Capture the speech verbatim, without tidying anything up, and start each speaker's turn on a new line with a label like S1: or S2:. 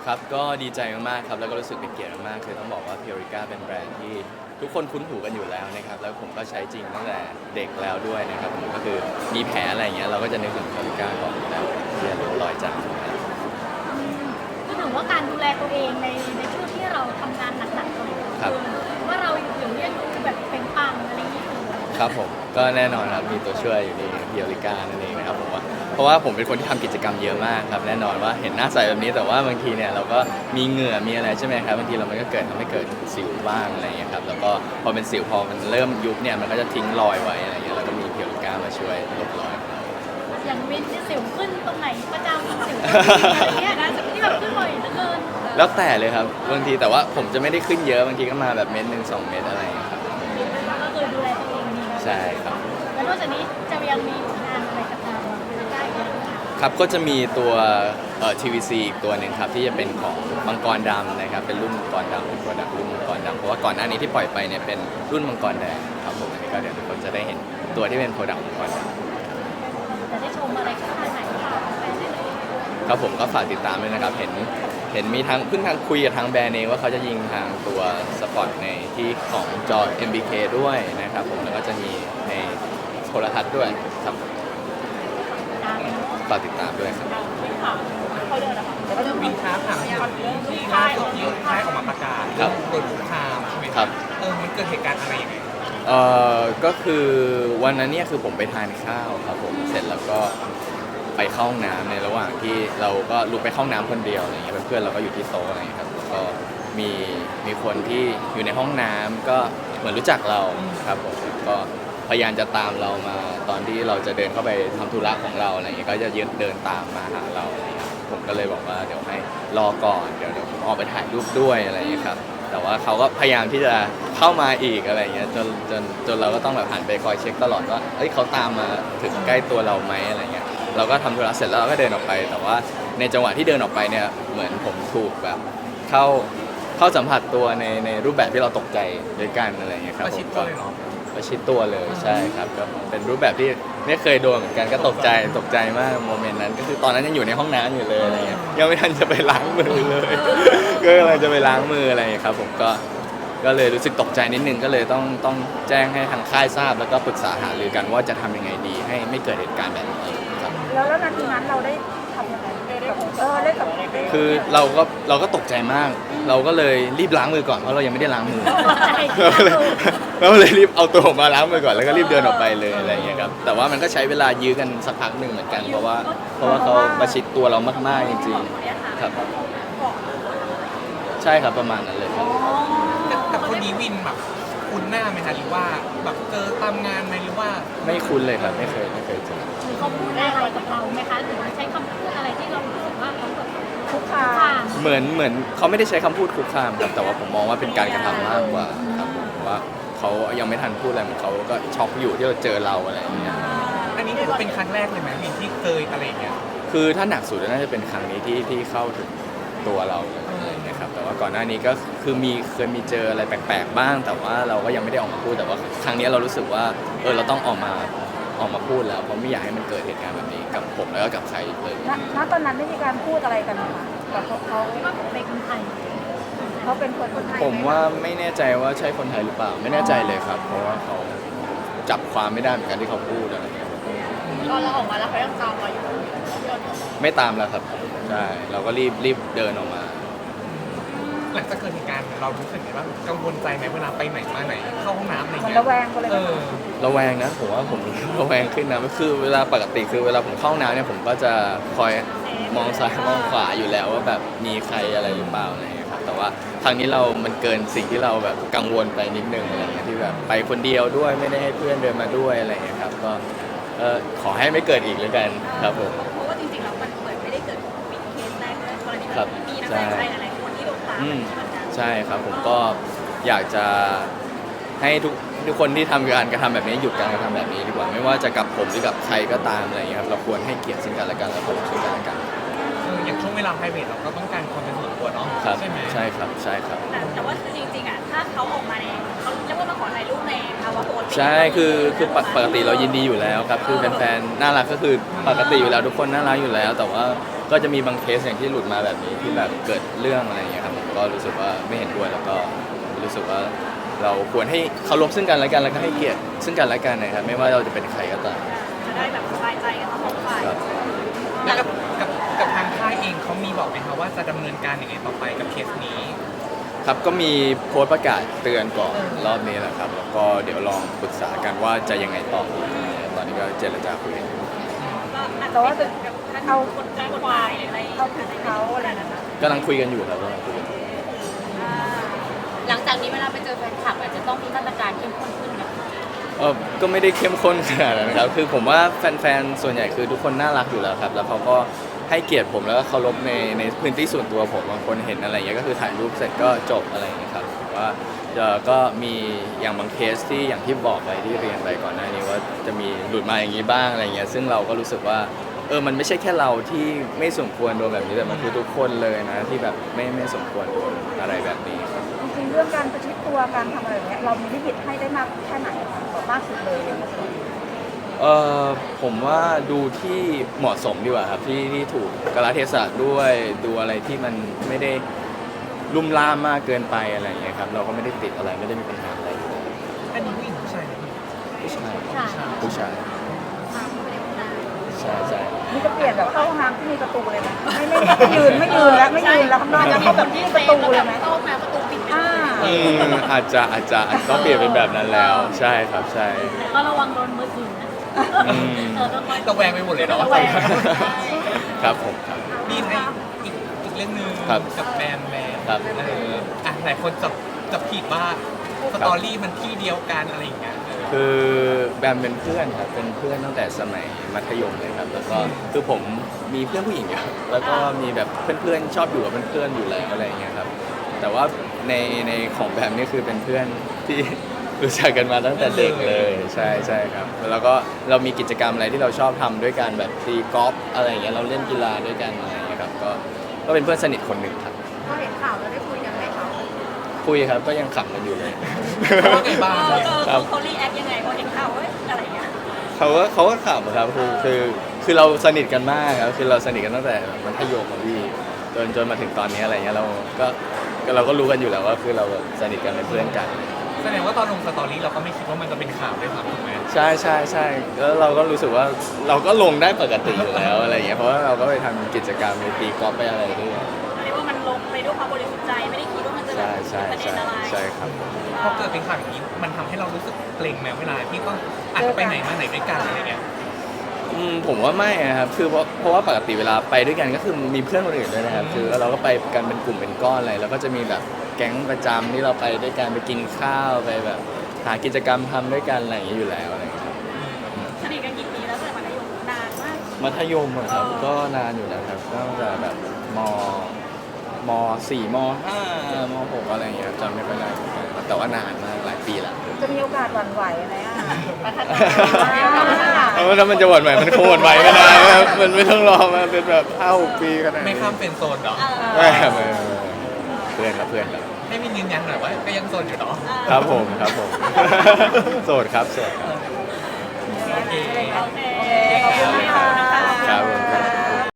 S1: ครับก็ดีใจมากๆครับแล้วก็รู้สึกเป็นเกียรติมากๆคือต้องบอกว่า Purica เป็นแบรนด์ที่ทุกคนคุ้นหูกันอยู่แล้วนะครับแล้วผมก็ใช้จริงตั้งแต่เด็กแล้วด้วยนะครับผมก็คือมีแผลอะไรอย่างเงี้ยเราก็จะนึกถึง Purica ก่อนอยู่แล้วที่จะรู้รอยจามนะครับ
S2: ก็ถือว่าการดูแลตัวเองในในช่วงที่เราทำงานหนักๆเลยคือว่าเราอยู่ยังดูแบบเป็นปังอะไรอย่างนี้อยู่
S1: ครับผมก็แน่นอนครับมีตัวช่วยอยู่ใน Purica นั่นเองนะครับผมว่าเพราะว่าผมเป็นคนที่ทำกิจกรรมเยอะมากครับแน่นอนว่าเห็นหน้าใสแบบนี้แต่ว่าบางทีเนี่ยเราก็มีเหงื่อมีอะไรใช่ไหมครับบางทีเรามันก็เกิดทำให้เกิดสิวบ้างอะไรอย่างเงี้ยครับแล้วก็พอเป็นสิวพอมันเริ่มยุบเนี่ยมันก็จะทิ้งรอยไว้อะไรอย่างเงี้ยแล้วก็มี Purica มาช่วยลบรอย
S2: อย่างวินที่สิวขึ้นตรงไหนประจำสิวขึ้นอะไรเงี้ยนะที่แบบขึ้นบ่อยเหลือเกิน
S1: แล้วแต่เลยครับบางทีแต่ว่าผมจะไม่ได้ขึ้นเยอะบางทีก็มาแบบเม็ดหนึ่งสองเม็ดอะไรอย่างเงี้ยครับ
S2: ก็คือดูแลตัวเองดีนะ
S1: ใช่ครับ
S2: แล้วนอกจากนี้จะยังมีผลงานอะไรกับทางเราได้อีกไหมคะ
S1: ครับก็จะมีตัวเอ่อ ที วี ซี อีกตัวหนึ่งครับที่จะเป็นของมังกรดำนะครับเป็นรุ่นมังกรดำเป็นโปรดักต์รุ่นมังกรดำเพราะว่าก่อนหน้านี้ที่ปล่อยไปเนี่ยเป็นรุ่นมังกรแดงครับผมอันนี้ก็เดี๋ยวทุกคนจะได้เห็นตัวที่เป็นโปรดักต์มังกรดำ
S2: จะได้ชมอะไรช่องทางไหนคะแฟนได้เลย
S1: ครับผมก็ฝากติดตามด้วยนะครับเห็นเห็นมีทางเพิ่งทางคุยกับทางแบรนด์เองว่าเขาจะยิงทางตัวสปอตในที่ของจอ เอ็ม บี เค ด้วยนะครับผมแล้วก็จะมีในโทรทัศน์ด้วยครับ
S2: ตามเนาะ
S1: ฝากติดตามด้วยครับ
S2: เขาเดินนะคะ
S3: แล้วก็จะวินค้าถามที่ที่ล่าสุดที่ค่ายออกมาประกาศ
S1: ครับ
S3: โดนคุกคามใช่ไหม
S1: ครับ
S3: เออมันเกิดเหตุการณ์อะไรยังไง
S1: เอ่อก็คือวันนั้นเนี่ยคือผมไปทานข้าวครับผมเสร็จแล้วก็ไปเข้าห้องน้ำในระหว่างที่เราก็ลุกไปเข้าห้องน้ำคนเดียวอะไรเงี้ยเพื่อนๆเราก็อยู่ที่โต๊ะอะไรเงี้ยครับแล้วก็มีมีคนที่อยู่ในห้องน้ำก็เหมือนรู้จักเราครับผมก็พยายามจะตามเรามาตอนที่เราจะเดินเข้าไปทำธุระของเราอะไรเงี้ยก็จะยืนเดินตามมาหาเราอะไรเงี้ยผมก็เลยบอกว่าเดี๋ยวให้รอก่อนเดี๋ยวเดี๋ยวผมออกไปถ่ายรูปด้วยอะไรเงี้ยครับ แต่ว่าเขาก็พยายามที่จะเข้ามาอีกอะไรเงี้ยจนจนจนเราก็ต้องแบบหันไปคอยเช็คตลอดว่าเอ้ยเขาตามมาถึงใกล้ตัวเราไหมอะไรเงี้ยเราก็ทำธุระเสร็จแล้วเราก็เดินออกไป แต่ว่าในจังหวะที่เดินออกไปเนี่ยเหมือนผมถูกแบบเข้าเข้าสัมผัสตัวในในรูปแบบที่เราตกใจด้วยกันอะไรเงี้ยครับ
S3: ประ
S1: ผ
S3: ชิด
S1: ม
S3: ตั
S1: ก็
S3: วเลยเหรอ
S1: ประชิดตัวเลยใช่ครับก็เป็นรูปแบบที่ไม่เคยโดนเหมือนกันก็ตกใจตกใจมากโมเมนต์นั้นก็คือตอนนั้นยังอยู่ในห้องน้ำอยู่เลยอะไรเงี้ยยังไม่ทันจะไปล้างมือเลย ก็กำลังจะไปล้างมืออะไรอย่างเงี้ยครับผมก็ก็เลยรู้สึกตกใจนิดนึงก็เลยต้องต้องแจ้งให้ทางค่ายทราบแล้วก็ปรึกษาหารือกันว่าจะทำยังไงดีให้ไม่เกิดเหตุการณ์แบบนี้ครับ
S4: แล้วแล้วนาทีนั้นเราได้ทำยังไงกับเออเล่นกับ
S1: คือเราก็เราก็ตกใจมาก เราก็เลยรีบล้างมือก่อนเพราะเรายังไม่ได้ล้างมือ เราก็เลยเราก็เลยรีบเอาตัวออกมาล้างมือก่อนแล้วก็รีบเดินออกไปเลยอะไรอย่างเงี้ยครับแต่ว่ามันก็ใช้เวลายื้อกันสักพักหนึ่งเหมือนกันเพราะว่าเพราะว่าเขาประชิดตัวเรามากๆจริงๆครับใช่ครับประมาณนั้นเลยครับ
S3: แต่แต่คนนี้วินแบบคุ้นหน้าไหมคะหรือว่าแบบเจอตามงานไหมหรือว่า
S1: ไม่คุ้นเลยครับไม่เคยไม่เคยเจอ
S2: หรือเขาพูดอะไรกับเราไหมคะหรือว่าใช้คำพูดอะไรที่เรารู้สึกว่าเขาแบบ
S4: คุกคา
S2: ผ่าม
S1: เหมือนเหมือนเขาไม่ได้ใช้คำพูดคุกคามครับแต่ว่าผมมองว่าเป็นการกระทำมากกว่าครับผมว่าเขายังไม่ทันพูดอะไรเหมือนเขาก็ช็อกอยู่ที่เราเจอเราอะไรอย่างเงี้ย
S3: อันนี้ถือว่าเป็นครั้งแรกเลยไหมวินที่เคยอะไรอย่างเงี้ย
S1: คือถ้าหนักสุดน่าจะเป็นครั้งนี้ที่ที่เข้าถึงตัวเราเลยนะครับแต่ว่าก่อนหน้านี้ก็คือมีเคยมีเจออะไรแปลกๆบ้าง แต่ว่าเราก็ยังไม่ได้ออกมาพูดแต่ว่าครั้งนี้เรารู้สึกว่าเออเราต้องออกมาออกมาพูดแล้วเพราะไม่อยากให้มันเกิดเหตุการณ์แบบนี้กับผมแล้วก็กับใครอีกเลย
S4: ณณตอนนั้นได้มีการพูดอะไรกันไหมคะกับเขาเขา
S2: ว่าผมเป็นคนไทย
S4: เขาเป็นคนคนไทย
S1: ผมว่าไม่แน่ใจว่าใช่คนไทยหรือเปล่าไม่แน่ใจเลยครับ เพราะว่าเขาจับความไม่ได้เหมือนกันที่เขาพูดอะไรอย่างเงี้ย
S2: ตอนเราออกมาแล้วเขายังตามเราอยู่
S1: ไม่ตามแล้วครับใช่เราก็รีบรีบเดินออกมา
S3: หลังจากเกิดเหตุการณ์เรารู้สึกไงบ้างกังวลใจไหมเวลาไปไหนมาไหนเข้าห้องน้ำอะไร
S4: มัน
S3: เงี้ย
S4: ระแวงกันเลย
S3: เอ
S4: ไหม
S3: อ
S4: คะ
S1: ระแวงนะผมว่าผม ระแวงขึ้นนะคือเวลาปกติคือเวลาผมเข้าห้องน้ำเนี่ยผมก็จะคอยมองซ้ายมองขวาอยู่แล้วว่าแบบมีใครอะไรหรือเปล่าอะไรอย่างเงี้ยครับแต่ว่าครั้งนี้เรามันเกินสิ่งที่เราแบบกังวลไปนิดนึงอะไรอย่างเงี้ยที่แบบไปคนเดียวด้วยไม่ได้ให้เพื่อนเดินมาด้วยอะไรอย่างเงี้ยครับก็เออขอให้ไม่เกิดอีกแล้วกันครับผม
S2: เพราะว่าจริงๆแล้วมันเหมือนไม่ได้เกิดวินเคสแรกเลยกรณี
S1: ครับ
S2: มีนักแสดงไทยหลายๆคนที่โดนตาม
S1: อืม
S2: เหมือนกัน
S1: ใช่ครับผมก็อยากจะให้ทุกทุกคนที่ทำการกระทำแบบนี้หยุดการกระทำแบบนี้ดีกว่าไม่ว่าจะกับผมหรือกับใครก็ตามอะไรอย่างเงี้ยครับเราควรให้เกียรติซึ่งกันและกันและเคารพซึ่งกันและกัน
S3: เอออย่างช่วงเวลาา private เราก็ต้องการความเป็นส่วนตัวเนาะ
S1: ครับ
S3: ใช่ไหม
S1: ใช่ครับใช่ครับ
S5: แต่แต่ว่าคือจริงๆอ่ะถ้าเขาออกมาในเขาเรียกว่ามาขอถ่ายรูปในภาวะปกติ
S1: ใช่คือคือปกปกติเรายินดีอยู่แล้วครับคือแฟนๆน่ารักก็คือปกติอยู่แล้วทุกคนน่ารักอยู่แล้ว แต่ว่าก็จะมีบางเคสอย่างที่หลุดมาแบบนี้ที่แบบเกิดเรื่องอะไรอย่างเงี้ยครับผมก็รู้สึกว่าไม่เห็นด้วยแล้วก็รู้สึกว่าเราควรให้เคารพซึ่งกันและกันแล้วก็ให้เกียรติซึ่งกันและกันนะครับไม่ว่าเราจะเป็นใครก็ตาม
S5: จะได้แบบสบายใจกันทั้งสองฝ่าย
S1: ครับ
S3: แล้วกับกับกับทางค่ายเองเขามีบอกไหมคะว่าจะดำเนินการยังไงต่อไปกับเคสนี้
S1: ครับก็มีโพสต์ประกาศเตือนก่อนรอบนี้แหละครับแล้วก็เดี๋ยวลองปรึกษากันว่าจะยังไงต่อตอนนี้ก็เจรจาคุยกันอยู่
S5: ก็อาจ
S4: แต่ว่าจะ
S5: แบบท่าน
S4: เอา
S5: คนจ้างกฎหมายหรืออะไร
S4: เอาผิดเขาอะไรนะคะ
S1: กำลังคุยกันอยู่ครับกำลังคุยกันอยู่
S5: หลังจากนี้เวลาไปเจอแฟนคลับอาจจะต้องมีมาตรการเข้มข้นขึ้นนะ
S1: เออก็ไม่ได้เข้มข้นขนาดนั้นนะครับ คือผมว่าแฟนๆ ส่วนใหญ่คือทุกคนน่ารักอยู่แล้วครับ แล้วเขาก็ให้เกียรติผมแล้วก็เคารพในในพื้นที่ส่วนตัวผมบางคนเห็นอะไรอย่างเงี้ยก็คือถ่ายรูปเสร็จก็จบอะไรอย่างเงี้ยครับแต่ว่าเอ่อก็มีอย่างบางเคสที่อย่างที่บอกไปที่เรียนไปก่อนหน้านี้ว่าจะมีหลุดมาอย่างนี้บ้างอะไรเงี้ยซึ่งเราก็รู้สึกว่าเออมันไม่ใช่แค่เราที่ไม่สมควรโดนแบบนี้แต่มันคือทุกคนเลยนะที่แบบไม่ไม่สมควรโดนอะไรแบบนี้ครับ
S4: จริงๆเรื่องการประชิดตัวการทำอะไรอย่างเงี้ยเรามีลิมิตให้ได้มากแค่ไหนคะแบบมากสุดเลยอะไรอย่างเงี้ย
S1: เออผมว่าดูที่เหมาะสมดีกว่าครับที่ที่ถูกกาลเทศะด้วยดูอะไรที่มันไม่ได้ลุ่มล่ามมากเกินไปอะไรอย่างเงี้ยครับเราก็ไม่ได้ติดอะไรไม่ได้มีปัญหาอะไรอยู่แล้ว
S3: อันนี้ผู้หญิงผู้ชายเนี่ย
S1: ผู้ชาย
S2: ใช่
S1: ผู้ชายใช่ใช่
S4: นี่จะเปลี่ยนแบบเข้าห้องน้ำที่มีประตูเลยนะไม่ไม่ไม่ยืนไม่ยืนแล้วไม่ยืนแล้วข้างนอกแล้วเขาแบบที่ประตูเลยไหม
S2: เข้ามาประตูปิดไป
S4: อ่า
S1: อืมอาจจะอาจจะอาจจะต้องเปลี่ยนเป็นแบบนั้นแล้ว ใช่ครับใช่
S2: แต่ก็ระวังโดนมือถือนะ
S1: อืม
S2: เออต้องคอย
S3: ระแวงไปหมดเลยเนาะ
S2: ระแวง
S1: ครับผมครับ
S3: มีให้อีกอีกเรื่องหนึง
S1: ครับ
S3: กับแบมแบม
S1: ครับ
S3: เอออ่ะหลายคนจับจับผิดว่าสตอรี่มันที่เดียวกันอะไรอย่างเงี้ยเออ
S1: คือแบมเป็นเพื่อนครับเป็นเพื่อนตั้งแต่สมัยมัธยมเลยครับแล้วก็คือผมมีเพื่อนผู้หญิงเยอะแล้วก็มีแบบเพื่อนๆชอบอยู่กับเพื่อนๆอยู่แล้วอะไรอย่างเงี้ยครับแต่ว่าในในของแบมนี่คือเป็นเพื่อนที่ รู้จักกันมาตั้งแต่เด็กเลยใช่ใช่ครับแล้วก็เรามีกิจกรรมอะไรที่เราชอบทำด้วยกันแบบตีกอล์ฟอะไรอย่างเงี้ยเราเล่นกีฬาด้วยกันอะไรอย่างเงี้ยครับก็ก็เป็นเพื่อนสนิทคนหนึ่งครับ
S4: พอเห็นข่าวแล้วได้คุยกันไหมคะ
S1: คุยครับก็ยังขำกันอยู่เลย
S3: เขาว่าไงบ้าง
S5: เออ
S3: เนี่ย
S5: เออเขารีแอคยังไงพอเห็นข่าวเอ้ยอะไรอย่างเงี้ย
S1: เขาก็เขาก็ขำครับคือคือคือเราสนิทกันมากครับคือเราสนิทกันตั้งแต่มัธยมอะพี่จนจนมาถึงตอนนี้อะไรเงี้ยเราก็ก็เราก็รู้กันอยู่แล้วว่าคือเราแบบสนิทกันเป็นเพื่อนกัน
S3: แสดงว่าตอนลงสตอรี่เราก็ไม่คิดว่ามันจะเป็นข่าวด้วยซ้ำถูกไหม
S1: ใช่ใช่ใช่แล้วเราก็รู้สึกว่าเราก็ลงได้ปกติอยู่แล้วอะไรเงี้ยเพราะว่าเราก็ไปทำกิจกรรมไปตีกอล์ฟไปอะไรด้วย
S5: เรียกว่ามันลงไปด้วยความบริสุทธิ์ใจไม่ได้คิดว่ามันจะแบ
S1: ใช่
S5: บ
S1: ใช่
S5: ประเด็น
S1: ใช่
S5: อะไร
S1: ใช่ครับผม
S3: พอเกิดเป็นข่าวอย่างนี้มันทำให้เรารู้สึกเกรงไหมเวลาที่ต้องอาจจะไปไหนมาไหนด้วยกันอะไรเงี้ย
S1: อืมผมว่าไม่นะครับคือเพราะเพราะว่าปกติเวลาไปด้วยกันก็คือมีเพื่อนคนอื่นด้วยนะครับคือเราก็ไปกันเป็นกลุ่มเป็นก้อนอะไรแล้วก็จะมีแบบแก๊งประจำที่เราไปด้วยกันไปกินข้าวไปแบบหากิจกรรมทำด้วยกันอะไรอย่างเงี้ยอยู่แล้วอะไรอย่างเงี้ยครับ
S5: สนิทกันกี่ปีแล้วตั้งแต่มัธยมนานมาก
S1: มัธยมอะครับก็นานอยู่แล้วครับตั้งแต่แบบมมสี่มห้ามหกอะไรอย่างเงี้ยครับจำไม่ค่อยได้เหมือนกันครับแต่ว่านานมากหลายปีละ
S4: จะมีโอกาสหวั่นไหวไหมอ่ะ
S5: พัฒนา
S1: เพราะว่าถ้ามันจะหวั่นไหวมันคงหวั่นไหวไม่ได้ครับมันไม่ต้องรอมาเป็นแบบห้าหกปีขนาดนี้
S3: ไม่ข้ามเป็นโซนเหรอ
S1: ไม่ครับไม่ไม่ไม่เพื่อนครับเพื่อนครับ
S3: ให้มินยืนยันหน่อยว่าก็ยังโซนอยู่เนาะ
S1: ครับผมครับผม โสดครับโสดครับ